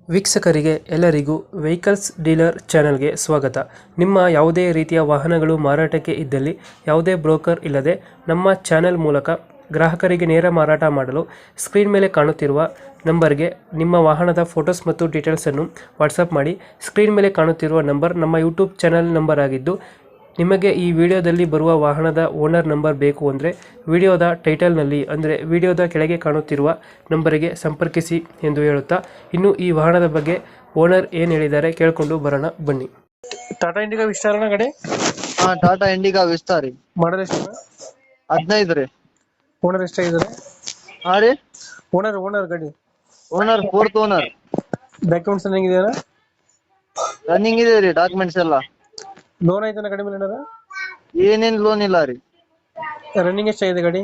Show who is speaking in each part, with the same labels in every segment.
Speaker 1: ವೀಕ್ಷಕರಿಗೆ ಎಲ್ಲರಿಗೂ vehicles dealer ಚಾನೆಲ್ಗೆ ಸ್ವಾಗತ. ನಿಮ್ಮ ಯಾವುದೇ ರೀತಿಯ ವಾಹನಗಳು ಮಾರಾಟಕ್ಕೆ ಇದ್ದಲ್ಲಿ ಯಾವುದೇ ಬ್ರೋಕರ್ ಇಲ್ಲದೆ ನಮ್ಮ ಚಾನೆಲ್ ಮೂಲಕ ಗ್ರಾಹಕರಿಗೆ ನೇರ ಮಾರಾಟ ಮಾಡಲು ಸ್ಕ್ರೀನ್ ಮೇಲೆ ಕಾಣುತ್ತಿರುವ ನಂಬರ್ಗೆ ನಿಮ್ಮ ವಾಹನದ ಫೋಟೋಸ್ ಮತ್ತು ಡೀಟೇಲ್ಸನ್ನು ವಾಟ್ಸಪ್ ಮಾಡಿ. ಸ್ಕ್ರೀನ್ ಮೇಲೆ ಕಾಣುತ್ತಿರುವ ನಂಬರ್ ನಮ್ಮ ಯೂಟ್ಯೂಬ್ ಚಾನೆಲ್ ನಂಬರ್ ಆಗಿದ್ದು, ನಿಮಗೆ ಈ ವಿಡಿಯೋದಲ್ಲಿ ಬರುವ ವಾಹನದ ಓನರ್ ನಂಬರ್ ಬೇಕು ಅಂದರೆ ವಿಡಿಯೋದ ಟೈಟಲ್ನಲ್ಲಿ ಅಂದರೆ ವಿಡಿಯೋದ ಕೆಳಗೆ ಕಾಣುತ್ತಿರುವ ನಂಬರಿಗೆ ಸಂಪರ್ಕಿಸಿ ಎಂದು ಹೇಳುತ್ತಾ, ಇನ್ನು ಈ ವಾಹನದ ಬಗ್ಗೆ ಓನರ್ ಏನು ಹೇಳಿದ್ದಾರೆ ಕೇಳಿಕೊಂಡು ಬರೋಣ ಬನ್ನಿ. ಟಾಟಾ ಇಂಡಿಗಾ ವಿಸ್ತಾರನ ಗಾಡಿ?
Speaker 2: ಹಾ, ಟಾಟಾ ಇಂಡಿಗಾ ವಿಸ್ತಾರಿ
Speaker 1: ಮಾಡಲ್ ಎಷ್ಟು?
Speaker 2: 15 ರೀ.
Speaker 1: ಓನರ್ ಎಷ್ಟಾಗಿದ್ದಾರೆ?
Speaker 2: ಹಾ ರೀ,
Speaker 1: ಓನರ್ ಗಾಡಿ
Speaker 2: ಓನರ್ 4th ಓನರ್.
Speaker 1: ಡಾಕ್ಯುಮೆಂಟ್ಸ್ ಹೆಂಗಿದೆಯಾ?
Speaker 2: ರನ್ನಿಂಗ್ ಇದೆ ರೀ ಡಾಕ್ಯುಮೆಂಟ್ಸ್ ಎಲ್ಲ.
Speaker 1: ಲೋನ್ ಆಯ್ತಾನ ಗಾಡಿ ಮೇಲೆ?
Speaker 2: ಏನೇನ್ ಲೋನ್ ಇಲ್ಲ ರೀ.
Speaker 1: ರನ್ನಿಂಗ್ ಎಷ್ಟಾಗಿದೆ ಗಾಡಿ?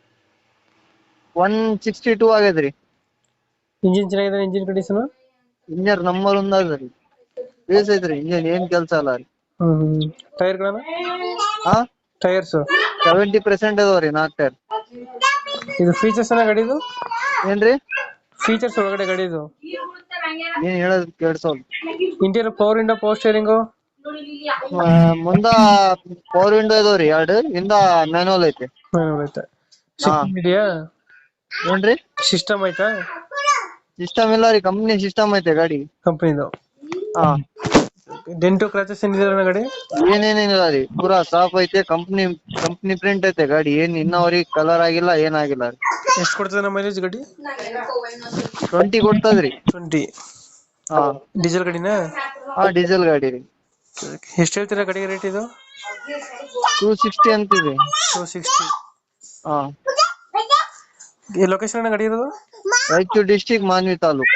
Speaker 2: 162 ಆಗ್ಯದ ರೀ.
Speaker 1: ಇಂಜಿನ್ ಚೆನ್ನಾಗಿದೆ? Engine condition?
Speaker 2: ಇಂಜಿನ್ ನಂಬರ್ 1 ಅದ ರೀ. ಬೇಸ್ ಐತ್ರಿ ಇಂಜಿನ್, ಏನ್ ಕೆಲ್ಸ ಅಲ್ಲ ರೀ.
Speaker 1: ಟೈರ್ಗಳನ್ನ?
Speaker 2: ಹಾ,
Speaker 1: ಟೈರ್ಸ್
Speaker 2: 70% ಅದಾವ ರೀ 4 ಟೈರ್.
Speaker 1: ಇದು ಫೀಚರ್ಸ್ ಗಾಡಿದು
Speaker 2: ಏನ್ರಿ
Speaker 1: ಫೀಚರ್ಸ್ ಒಳಗಡೆ ಗಾಡಿದು?
Speaker 2: ಏನ್ ಹೇಳೋದ್ ಕೇಳ್ಸೋಲ್.
Speaker 1: Interior power window, power steering,
Speaker 2: ಮುಂದ ಪವರ್ ವಿಂಡೋ ಇದಾವ್ರಿ 2, ಹಿಂದ ಮ್ಯಾನುವಲ್ ಐತೆ.
Speaker 1: ಐತೆ. ಸಿಸ್ಟಮ್ ಇದೆಯಾ?
Speaker 2: ಏನ್ರಿ
Speaker 1: ಸಿಸ್ಟಮ್ ಐತಾ?
Speaker 2: ಸಿಸ್ಟಮ್ ಇಲ್ಲ ರೀ, ಕಂಪ್ನಿ ಸಿಸ್ಟಮ್ ಐತೆ ಗಾಡಿ.
Speaker 1: ಕಂಪನಿದು?
Speaker 2: ಹಾ,
Speaker 1: ಡೆಂಟು ಕ್ರಾಚಸ್ ಏನಿದೆ ಗಾಡಿ?
Speaker 2: ಏನೇನಿಲ್ಲ ರೀ, ಪೂರಾ ಸಾಫ್ ಐತೆ. ಕಂಪ್ನಿ ಪ್ರಿಂಟ್ ಐತೆ ಗಾಡಿ. ಏನ್ ಇನ್ನವರೆಗೆ ಕಲರ್ ಆಗಿಲ್ಲ, ಏನಾಗಿಲ್ಲ ರೀ.
Speaker 1: ಎಷ್ಟು ಕೊಡ್ತದೆ ನಮ್ಮ ಮೈಲೇಜ್ ಗಾಡಿ?
Speaker 2: 20 ಕೊಡ್ತದ್ರಿ.
Speaker 1: 20?
Speaker 2: ಹಾ,
Speaker 1: ಡೀಸೆಲ್ ಗಾಡಿನಾ?
Speaker 2: ಹಾ, ಡೀಸೆಲ್ ಗಾಡಿ ರೀ.
Speaker 1: ಎಷ್ಟು ಹೇಳ್ತೀರಾ ಗಾಡಿಗೆ ರೇಟ್ ಇದು?
Speaker 2: 260 ಅಂತಿದೆ.
Speaker 1: 260?
Speaker 2: ಹಾ.
Speaker 1: ಈ ಲೊಕೇಶನ್ ಗಾಡಿ ಇರೋದು?
Speaker 2: ರಾಯಚೂರು ಡಿಸ್ಟಿಕ್, ಮಾನ್ವಿ ತಾಲೂಕ್.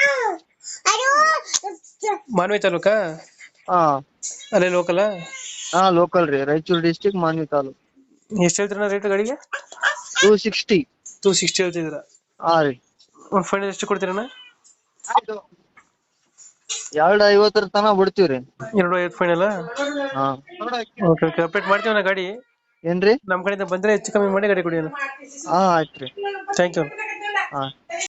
Speaker 1: ಮಾನ್ವಿ ತಾಲೂಕಾ?
Speaker 2: ಹಾ,
Speaker 1: ಅಲ್ಲೇ ಲೋಕಲ್?
Speaker 2: ಹಾ, ಲೋಕಲ್ ರೀ. ರಾಯಚೂರು ಡಿಸ್ಟಿಕ್, ಮಾನ್ವಿ ತಾಲೂಕ್.
Speaker 1: ಎಷ್ಟು ಹೇಳ್ತೀರಾ ರೇಟ್ ಗಾಡಿಗೆ?
Speaker 2: 260.
Speaker 1: 260 ಹೇಳ್ತಿದ್ದೀರಾ?
Speaker 2: ಹಾ ರೀ.
Speaker 1: ಒಂದು ಫೈನಲ್ ಎಷ್ಟು ಕೊಡ್ತೀರಣ್ಣ?
Speaker 2: 250 ತನ ಬಿಡ್ತೀವ್ರಿ.
Speaker 1: 250 ಫೈನಲ್?
Speaker 2: ಹಾ,
Speaker 1: ಓಕೆ ಓಕೆ, ಅಪ್ಡೇಟ್ ಮಾಡ್ತೀವಣ್ಣ ಗಾಡಿ.
Speaker 2: ಏನ್ರಿ?
Speaker 1: ನಮ್ಮ ಕಡೆಯಿಂದ ಬಂದ್ರೆ ಹೆಚ್ಚು ಕಮ್ಮಿ ಮಾಡಿ ಗಾಡಿ ಕೊಡಿ ಅಣ್ಣ.
Speaker 2: ಹಾ, ಆಯ್ತ್ರಿ.
Speaker 1: Thank you.
Speaker 2: ಹಾ.